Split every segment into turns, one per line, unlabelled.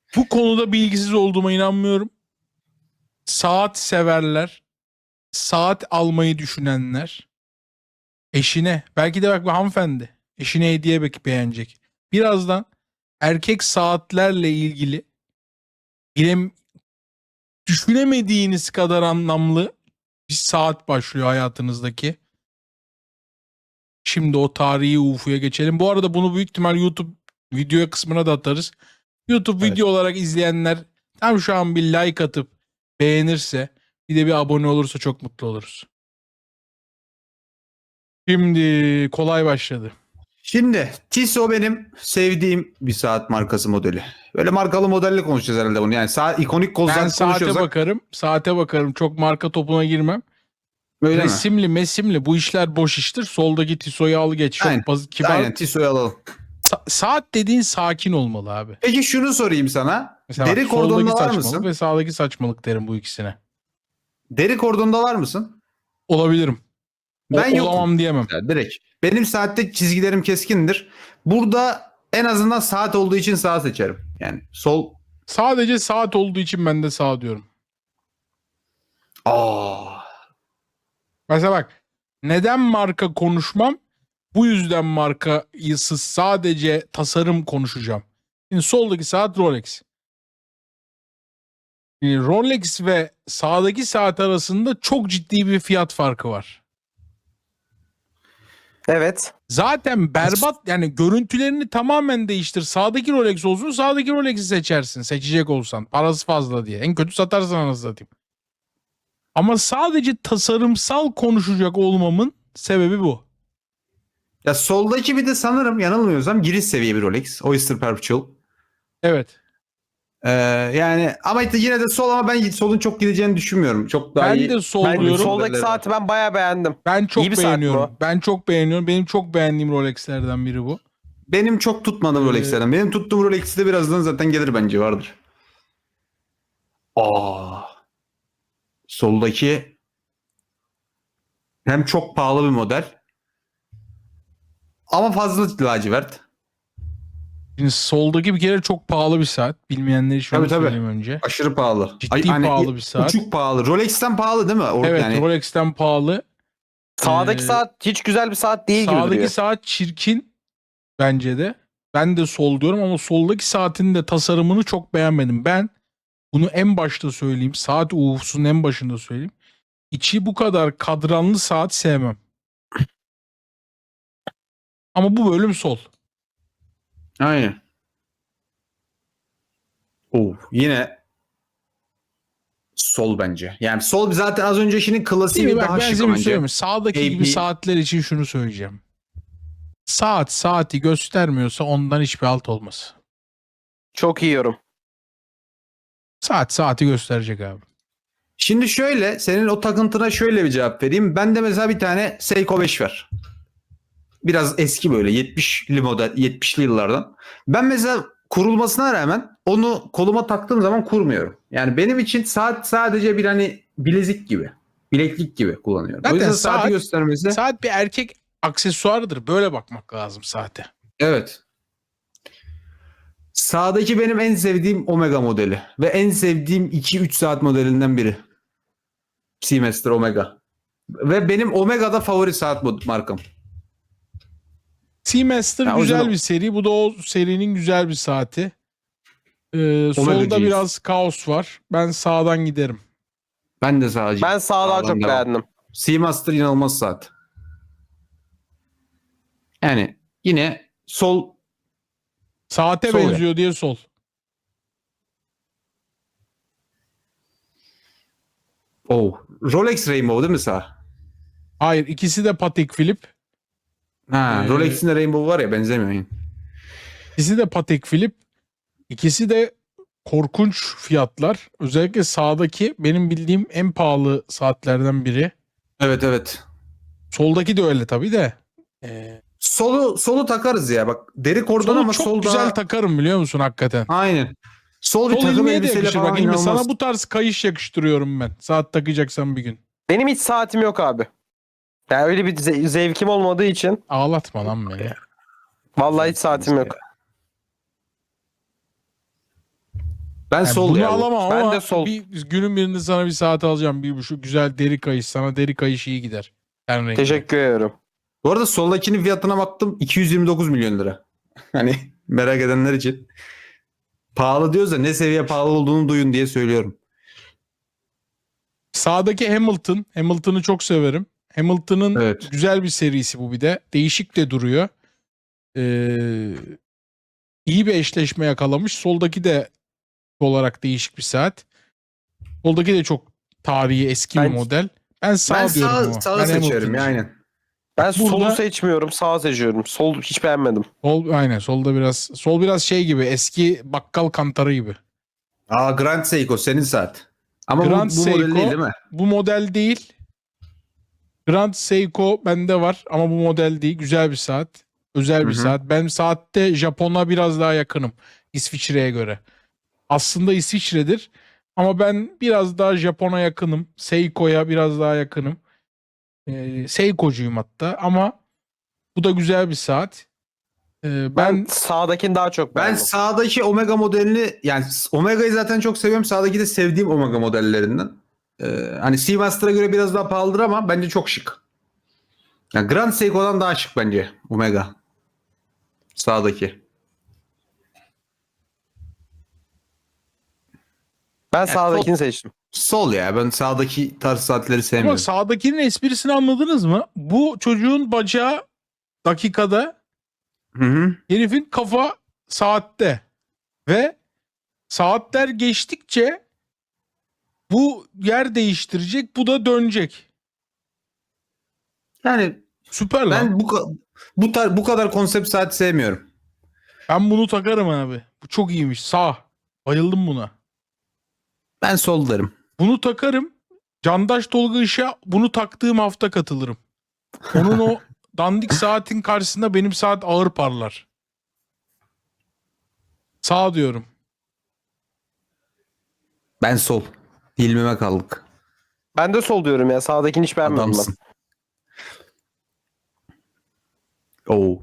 Bu konuda bilgisiz olduğuma inanmıyorum. Saat severler, saat almayı düşünenler, eşine, belki de bak bu hanımefendi, eşine hediye beğenecek. Birazdan erkek saatlerle ilgili bilem, düşünemediğiniz kadar anlamlı bir saat başlıyor hayatınızdaki. Şimdi o tarihi UFO'ya geçelim. Bu arada bunu büyük ihtimal YouTube video kısmına da atarız. YouTube
Evet.
video olarak izleyenler tam şu an bir like atıp beğenirse, bir de bir abone olursa çok mutlu oluruz. Şimdi kolay başladı.
Şimdi Tissot benim sevdiğim bir saat markası modeli. Böyle markalı modelle konuşacağız herhalde bunu. Yani ikonik kol
Ben
saat
saate
konuşuyorsak
bakarım. Saate bakarım. Çok marka topuna girmem.
öyle mi?
Resimli mesimli bu işler boş iştir. Soldaki Tissot'u al geç. Çok
Aynen.
kibar.
Aynen Tissot'u alalım.
Saat dediğin sakin olmalı abi.
Peki şunu sorayım sana.
Mesela
Deri
bak,
kordonda
soldaki
var
saçmalık
mısın?
ve sağdaki saçmalık derim bu ikisine.
Deri kordonda var mısın?
Olabilirim.
Ben yokum.
Olamam diyemem.
Ya, direkt. Benim saatte çizgilerim keskindir. Burada en azından saat olduğu için sağ seçerim. Yani sol.
Sadece saat olduğu için ben de sağ diyorum. Mesela bak, neden marka konuşmam? Bu yüzden markasız sadece tasarım konuşacağım. Şimdi soldaki saat Rolex. Şimdi Rolex ve sağdaki saat arasında çok ciddi bir fiyat farkı var.
Evet.
Zaten berbat, yani görüntülerini tamamen değiştir. Sağdaki Rolex olsun, sağdaki Rolex'i seçersin. Seçecek olsan. Parası fazla diye. En kötü satarsın anasını satayım. Ama sadece tasarımsal konuşacak olmamın sebebi bu.
Ya soldaki bir de sanırım yanılmıyorsam giriş seviye bir Rolex. Oyster Perpetual.
Evet.
Yani ama yine de sol, ama ben solun çok gideceğini düşünmüyorum. Çok daha
Ben
iyi.
de sol
Ben
diyorum.
soldaki saati ben bayağı beğendim.
Ben çok
İyi bir saat
beğeniyorum.
bu.
Ben çok beğeniyorum. Benim çok beğendiğim Rolex'lerden biri bu.
Benim çok tutmadığım Rolex'lerden. Benim tuttuğum Rolex'te birazdan zaten gelir bence, vardır. Soldaki hem çok pahalı bir model ama fazla lacivert.
Şimdi soldaki bir kere çok pahalı bir saat. Bilmeyenler için onu
Tabii.
söyleyeyim önce.
Aşırı pahalı.
Ciddi pahalı bir saat.
Uçuk pahalı. Rolex'ten pahalı değil mi?
Evet,
Yani
Rolex'ten pahalı.
Sağdaki
Ee,
saat hiç güzel bir saat değil gibi
Sağdaki
duruyor.
saat çirkin bence de. Ben de sol diyorum ama soldaki saatin de tasarımını çok beğenmedim. Ben bunu en başta söyleyeyim. Saat UFO'sunun en başında söyleyeyim. İçi bu kadar kadranlı saat sevmem. Ama bu bölüm sol.
aynen. Yine sol bence. Yani sol zaten az öncekinin klasiği
Değil mi? Bak,
daha
ben
şık
size bir
bence.
söyleyeyim mi? Sağdaki gibi
AP.
saatler için şunu söyleyeceğim. Saati göstermiyorsa ondan hiçbir alt olmaz.
Çok iyi yorum.
Saati gösterecek abi.
Şimdi şöyle, senin o takıntına şöyle bir cevap vereyim. Ben de mesela bir tane Seiko 5 var. Biraz eski, böyle 70'li model, 70'li yıllardan. Ben mesela kurulmasına rağmen onu koluma taktığım zaman kurmuyorum. Yani benim için saat sadece bir hani bilezik gibi, bileklik gibi kullanıyorum.
Zaten
o yüzden saati
saat-
göstermesi.
Saat bir erkek aksesuarıdır. Böyle bakmak lazım saate.
Evet. Sağdaki benim en sevdiğim Omega modeli ve en sevdiğim 2-3 saat modelinden biri. Seamaster Omega. Ve benim Omega'da favori saat markam.
Seamaster
Ya o
güzel
yüzden
bir seri. Bu da o serinin güzel bir saati. Solda
Omega'cıyız.
biraz kaos var. Ben sağdan giderim.
Ben de sağcıyım.
Ben sağdan
Sağdan
çok
devam.
beğendim.
Seamaster inanılmaz saat. Yani yine sol.
Saate
Sol
benziyor diye sol.
Rolex Rainbow değil mi sağ?
Hayır, ikisi de Patek Philippe.
Rolex'in de Rainbow var ya, benzemiyor. Yani.
İkisi de Patek Philippe. İkisi de korkunç fiyatlar. Özellikle sağdaki benim bildiğim en pahalı saatlerden biri.
Evet.
Soldaki de öyle tabii de.
Solu takarız ya. Bak, deri kordon
Solu
ama
çok
sol
güzel
daha.
takarım, biliyor musun hakikaten.
Aynen. Sol bir
Sol
takım
ilmeğe de
elbiseyle
yakışır.
falan
Bak İlmi,
inanılmaz.
sana bu tarz kayış yakıştırıyorum ben. Saat takacaksan bir gün.
Benim hiç saatim yok abi. Yani öyle bir zevkim olmadığı için
Ağlatma lan beni.
vallahi hiç saatim yok.
Ben
Yani
sol
bunu
ya bu.
alamam
Ben
ama
de sol.
günün birinde sana bir saat alacağım. Bir şu güzel deri kayış. Sana deri kayış iyi gider. Ten rengi.
Teşekkür ederim.
Bu arada soldakinin fiyatına baktım 229 milyon lira. Hani merak edenler için. Pahalı diyoruz da ne seviye pahalı olduğunu duyun diye söylüyorum.
Sağdaki Hamilton. Hamilton'ı çok severim. Hamilton'ın
Evet.
güzel bir serisi bu bir de. Değişik de duruyor. İyi bir eşleşme yakalamış. Soldaki de olarak değişik bir saat. Soldaki de çok tarihi eski bir
Ben-
model. Ben sağ
Ben
diyorum
sağ,
ama.
sağı
Ben
seçiyorum ya
Hamilton'cıyım.
aynen.
Ben
Burada-
solu seçmiyorum, sağı seçiyorum. Sol hiç beğenmedim.
Aynen sol biraz şey gibi, eski bakkal kantarı gibi.
Aa Grand Seiko senin saat. Ama
Grand
bu model
Seiko-
değil mi?
Bu model değil. Grand Seiko bende var ama bu model değil. Güzel bir saat. Özel bir
Hı hı.
saat. Ben saatte Japon'a biraz daha yakınım. İsviçre'ye göre. Aslında İsviçre'dir. Ama ben biraz daha Japon'a yakınım. Seiko'ya biraz daha yakınım. Seiko'cuyum hatta. Ama bu da güzel bir saat.
Ben
Ben
sağdakini daha çok
Ben
beğendim.
sağdaki Omega modelini yani Omega'yı zaten çok seviyorum. Sağdaki de sevdiğim Omega modellerinden. Hani Seamaster'a göre biraz daha pahalıdır ama bence çok şık. Yani Grand Seiko'dan daha şık bence Omega. Sağdaki.
Ben sağdakini seçtim.
Sol ya. Ben sağdaki tarz saatleri
ama
sevmiyorum.
sağdakinin esprisini anladınız mı? Bu çocuğun bacağı dakikada,
Hı hı.
herifin kafa saatte. Ve saatler geçtikçe bu yer değiştirecek, bu da dönecek.
Yani
Süper lan.
ben bu kadar konsept saat sevmiyorum.
Ben bunu takarım abi. Bu çok iyiymiş. Sağ. Bayıldım buna.
Ben sol derim.
Bunu takarım. Candaş Tolga Işık'a bunu taktığım hafta katılırım. Onun o dandik saatin karşısında benim saat ağır parlar. Sağ diyorum.
Ben sol. İlmime kaldık.
Ben de sol diyorum ya. Sağdakini hiç beğenmedim ben.
Adamsın. Oo.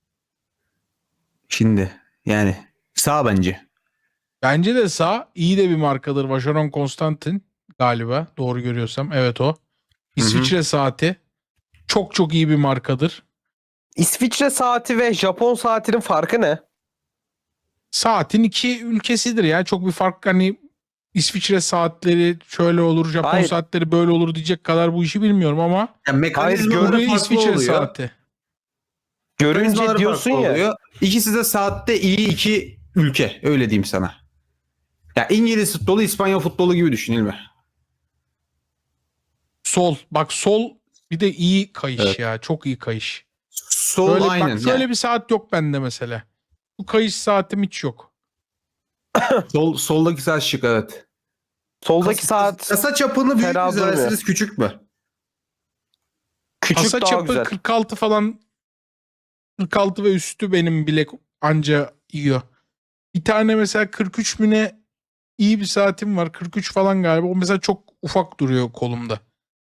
Şimdi yani sağ bence.
Bence de sağ. İyi de bir markadır. Vacheron Constantin galiba. Doğru görüyorsam. Evet o. İsviçre saati. Çok çok iyi bir markadır.
İsviçre saati ve Japon saatinin farkı ne?
Saatin iki ülkesidir ya. Çok bir fark, hani İsviçre saatleri şöyle olur, Japon
Hayır.
saatleri böyle olur diyecek kadar bu işi bilmiyorum ama
Ya
Hayır,
mekanizmaları
buraya
farklı
İsviçre
oluyor.
saati.
Görünce
Mekanizmaları
diyorsun
farklı
ya.
oluyor. İkisi de saatte iyi iki ülke. Öyle diyeyim sana. Ya İngiliz futbolu, İspanya futbolu gibi düşünülme.
Sol. Bak sol bir de iyi kayış
Evet.
ya. Çok iyi kayış.
Sol
Böyle,
aynen.
bak şöyle
Yani
bir saat yok bende mesela. Bu kayış saatim hiç yok.
soldaki saat şık evet.
Soldaki saat
Kasa çapını büyük
fena
mü
durmuyor.
seversiniz küçük mü?
küçük
Kasa
daha
çapı
güzel.
46 falan, 46 ve üstü benim bilek anca yiyor. Bir tane mesela 43 mü ne iyi bir saatim var. 43 falan galiba. O mesela çok ufak duruyor kolumda.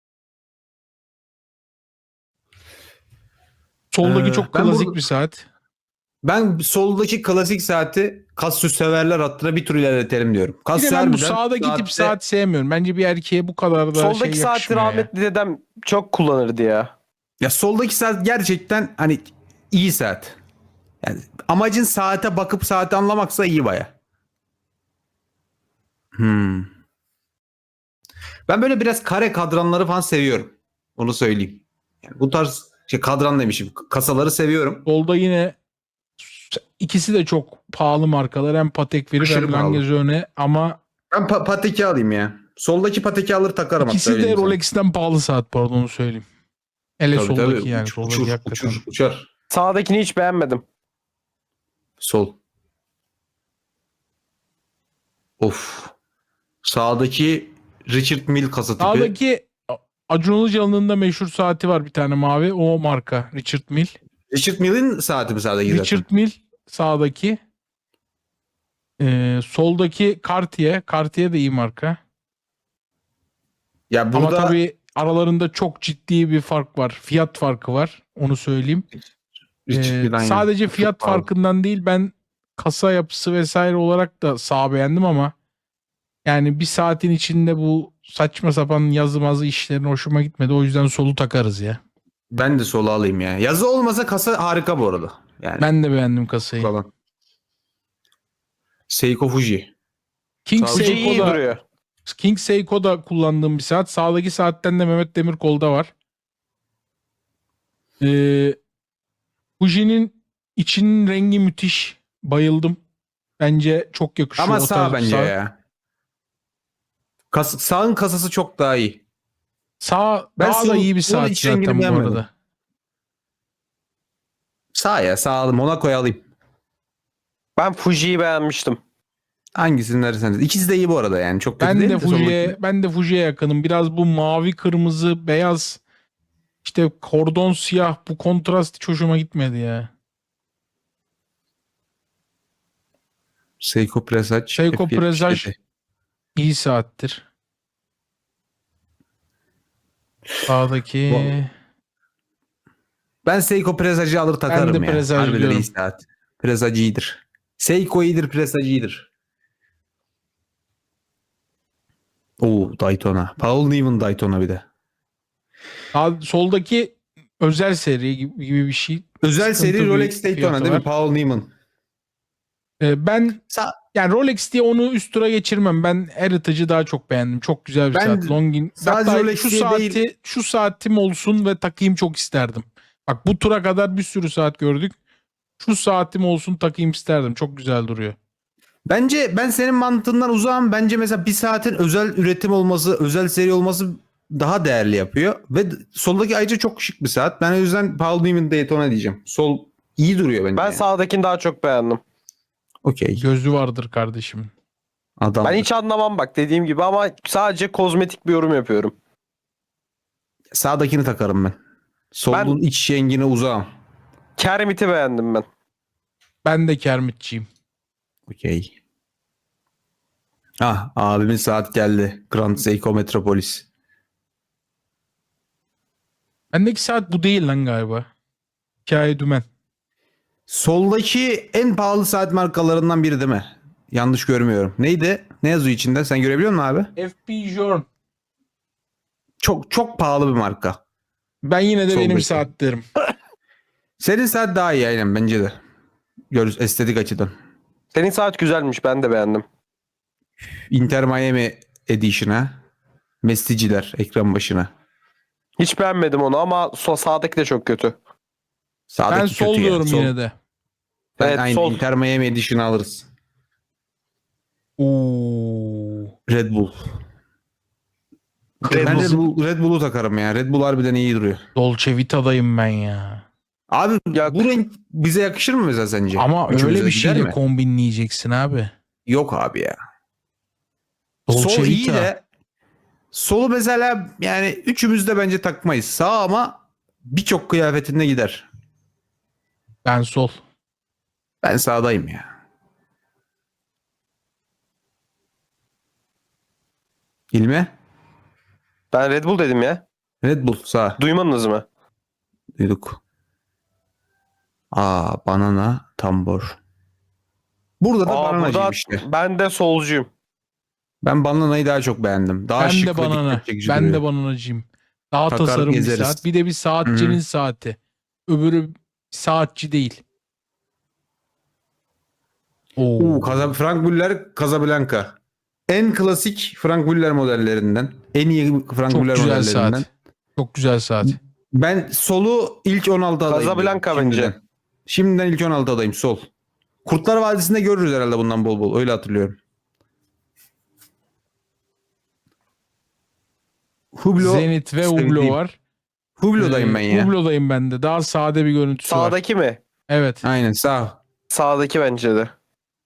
Soldaki çok
ben
klasik
burada-
bir saat.
Ben soldaki klasik saati Casio severler hattına bir tur ilerletelim diyorum.
Bir de
Casio
ben bu
harbiden
sağdaki tip
saatte-
saat sevmiyorum. Bence bir erkeğe bu kadar da
Soldaki
şey
saati
yakışmıyor ya.
rahmetli dedem çok kullanırdı ya.
Ya soldaki saat gerçekten hani iyi saat. Yani amacın saate bakıp saati anlamaksa iyi baya. Ben böyle biraz kare kadranları falan seviyorum. Onu söyleyeyim. Yani bu tarz kadran demişim. Kasaları seviyorum.
Solda yine ikisi de çok pahalı markalar. Hem Patek Philippe
Aşırı
hem
pahalı.
Lange ama
Ben Pateki alayım ya. Soldaki Pateki alır takarım hatta.
ikisi
öyle
de
diyeyim sana.
Rolex'ten pahalı saat, pardon onu söyleyeyim. Hele
Tabii,
soldaki
tabii.
yani. Soldaki
Uçur,
hakikaten.
uçar.
Sağdakini hiç beğenmedim.
Sol. Of. Sağdaki Richard Mille kasa tipi.
Sağdaki Acun Ilıcalı'nın da meşhur saati var bir tane mavi. O marka Richard Mille.
Richard Mille'in saati mi sağdaki zaten?
Richard Mille sağdaki. Soldaki Cartier. Cartier de iyi marka.
Ya
Ama
burada
tabii aralarında çok ciddi bir fark var. Fiyat farkı var. Onu söyleyeyim.
Richard Mille aynen.
Sadece
Çok
fiyat
pahalı.
farkından değil, ben kasa yapısı vesaire olarak da sağ beğendim ama Yani bir saatin içinde bu saçma sapan yazı işlerin hoşuma gitmedi. O yüzden solu takarız ya.
Ben de solu alayım ya. Yazı olmasa kasa harika bu arada. Yani
Ben de beğendim kasayı.
falan. Seiko Fuji.
King
Fuji
Fuji iyi
Seiko'da
duruyor.
King Seiko'da kullandığım bir saat. Sağdaki saatten de Mehmet Demirkol'da var. Fuji'nin içinin rengi müthiş. Bayıldım. Bence çok yakışıyor
Ama
o
sağ
tarz bir
bence
saat.
ya. Sağın kasası çok daha iyi.
Sağ
Ben
daha da
sol-
iyi bir
sol
saat
iç rengini
zaten bu
beğenmedim.
arada.
Sağ ya, sağ alayım. Monaco'yu alayım.
Ben Fuji'yi beğenmiştim.
Hangisini verirseniz. İkisi de iyi bu arada yani. Çok kötü değil de soldaki.
Ben de Fuji'ye yakınım. Biraz bu mavi, kırmızı, beyaz, işte kordon siyah, bu kontrast hiç hoşuma gitmedi ya.
Seiko Presage.
Seiko
F77.
Presage iyi saattir. Sağdaki
Ben Seiko Presage'ı alır takarım
de
ya.
Presage
Harbiden
diyorum.
iyi saat. Presage iyidir. Seiko iyidir, Presage iyidir. Oo, Daytona. Paul Newman Daytona bir de.
soldaki özel seri gibi bir şey.
Özel
Sıkıntı
seri
bir
Rolex Daytona
fiyatı
değil mi?
var.
Paul Newman.
Ben
Sa
yani Rolex diye onu üst tura geçirmem. Ben Heritage'ı daha çok beğendim. Çok güzel bir
Ben
saat. Longin.
sadece
Hatta
Rolex diye değil.
şu saatim olsun ve takayım çok isterdim. Bak bu tura kadar bir sürü saat gördük. Şu saatim olsun takayım isterdim. Çok güzel duruyor.
Bence ben senin mantığından uzağım. Bence mesela bir saatin özel üretim olması, özel seri olması daha değerli yapıyor. Ve soldaki ayrıca çok şık bir saat. Ben o yüzden Paul Newman Daytona diyeceğim. Sol iyi duruyor bence.
Ben
yani.
sağdakini daha çok beğendim.
Okey.
Gözü vardır kardeşim.
Adam.
Ben hiç anlamam bak dediğim gibi ama sadece kozmetik bir yorum yapıyorum.
Sağdakini takarım ben. Solun iç rengine uzağım.
Kermit'i beğendim ben.
Ben de Kermitçiyim.
Okey. Ah, abimin saat geldi. Grand Seiko Metropolis.
Bendeki saat bu değil lan galiba. Hikaye dümen.
Soldaki en pahalı saat markalarından biri değil mi? Yanlış görmüyorum. Neydi? Ne yazıyor içinde? Sen görebiliyor musun abi?
FP Journe.
Çok çok pahalı bir marka.
Ben yine de benim
Soldaki.
saat derim.
Senin saat daha iyi aynen bence de. Estetik açıdan.
Senin saat güzelmiş ben de beğendim.
Inter Miami Edition'a. Mesticiler ekran başına.
Hiç beğenmedim onu ama sağdaki de çok kötü.
Sağdaki
Ben sol
kötü ya.
diyorum
Sol.
yine de.
Ben
Evet,
aynı
sol.
Inter Miami Edition'ı alırız.
Oo.
Red Bull. Ben Red Bull'u takarım ya. Red Bull harbiden iyi duruyor.
Dolce Vita'dayım ben ya.
Abi
Ya-
bu renk bize yakışır mı mesela sence?
Ama
Üçümüze
öyle bir
gider
şeyle
mi?
kombinleyeceksin abi.
Yok abi ya.
Dolce
Sol iyi
Vita.
de solu mesela yani üçümüz de bence takmayız. Sağ ama birçok kıyafetinde gider.
Ben sol.
Ben sağdayım ya. İlmi?
Ben Red Bull dedim ya.
Red Bull sağ.
Duymadınız mı?
Duyduk. Aa, banana tambor. Burada da bananacıyım
burada
işte.
ben de solcuyum.
Ben bananayı daha çok beğendim. Daha
Ben
şık
de
ve
banana.
dikkat çekici
Ben
duruyor.
de bananacıyım. Daha
Takar
tasarım bir
gezeriz.
saat. Bir de bir saatçinin saati. Öbürü saatçi değil. Oo.
Frank Muller Casablanca. En klasik Frank Muller modellerinden. En iyi Frank
Çok
Muller
güzel
modellerinden.
saat. Çok güzel saat.
Ben solu ilk 16 adayım.
Casablanca
diyorum,
bence.
şimdiden. Şimdiden ilk 16 adayım sol. Kurtlar Vadisi'nde görürüz herhalde bundan bol bol. Öyle hatırlıyorum. Hublot.
Zenit ve Hublot
sevdiğim.
var.
Hublot'dayım ben ya.
Hublot'dayım ben de. Daha sade bir görüntüsü var.
Sağdaki mi?
Evet.
Aynen sağ.
Sağdaki bence de.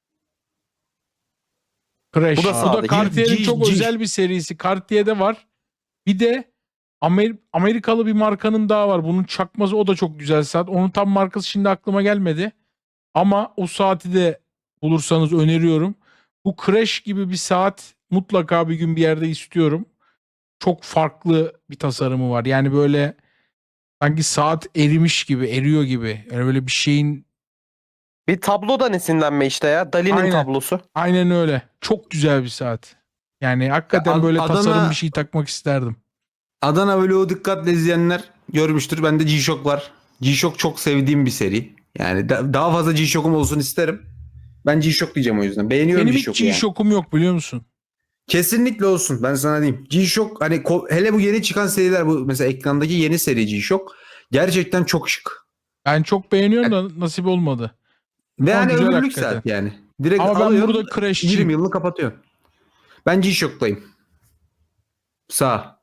Crash.
Bu da
Bu da
sağdaki.
Cartier'in çok
G.
özel bir serisi. Cartier'de var. Bir de Amerikalı bir markanın daha var. Bunun çakması, o da çok güzel saat. Onun tam markası şimdi aklıma gelmedi. Ama o saati de bulursanız öneriyorum. Bu Crash gibi bir saat mutlaka bir gün bir yerde istiyorum. Çok farklı bir tasarımı var. Yani böyle sanki saat erimiş gibi, eriyor gibi. Yani böyle bir şeyin,
Bir tablodan esinlenme işte ya. Dali'nin
Aynen.
tablosu.
aynen öyle. Çok güzel bir saat. Yani hakikaten
Ya
böyle
Adana-
tasarım bir şey takmak isterdim.
Adana Vlog'u dikkatle izleyenler görmüştür. Bende G-Shock var. G-Shock çok sevdiğim bir seri. Yani daha fazla G-Shock'um olsun isterim. Ben G-Shock diyeceğim o yüzden. Beğeniyorum
Benim hiç
G-Shock'u yani.
G-Shock'um yok biliyor musun?
Kesinlikle olsun. Ben sana diyeyim. G-Shock hani hele bu yeni çıkan seriler, bu mesela ekrandaki yeni seri G-Shock gerçekten çok şık.
Ben çok beğeniyorum da nasip olmadı.
Ve
Ama
hani
güzel
ömürlük
hakikaten.
saat yani. Direkt
Ama ben
alıyorsun,
burada Crash'çiyim.
20 yılını kapatıyorsun. Ben G-Shock'tayım. Sağ.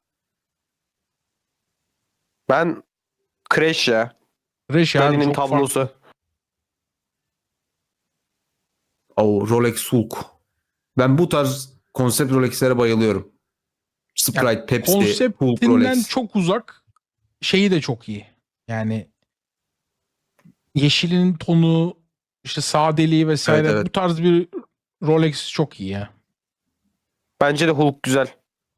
Ben Crash ya.
Crash abi
Dali'nin
çok
tablosu.
farklı.
O Rolex Hulk. Ben bu tarz konsept Rolex'lere bayılıyorum. Sprite, Pepsi, Hulk,
Konseptinden
Rolex.
çok uzak. Şeyi de çok iyi. Yani yeşilin tonu, işte sadeliği vesaire,
Evet, evet.
bu tarz bir Rolex çok iyi ya.
Bence de Hulk güzel.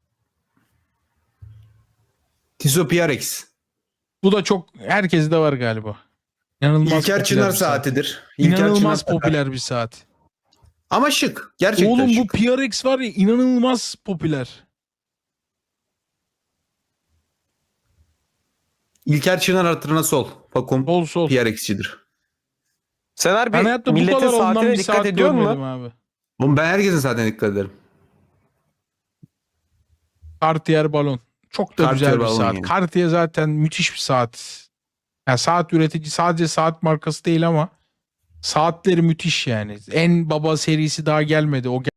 Tissot PRX.
Bu da çok herkeste var galiba. İnanılmaz
İlker
popüler
Çınar
bir saat.
saatidir. İlker
İnanılmaz
Çınar
popüler bir saat.
ama şık. Gerçekten
Oğlum bu
şık.
PRX var ya, inanılmaz popüler.
İlker Çınar hatırına sol. Fakum
Sol sol.
PRX'cidir.
Sen harbi
Ben hayatta bu
milletin
kadar ondan
saatine
bir
dikkat
saat
ediyor
görmedim
mu?
abi.
Oğlum ben herkesin saatine dikkat ederim.
Cartier balon. Çok da
Cartier
güzel bir
balon
saat.
yani.
Cartier zaten müthiş bir saat. Yani saat üretici, sadece saat markası değil ama saatleri müthiş yani. En baba serisi daha gelmedi. O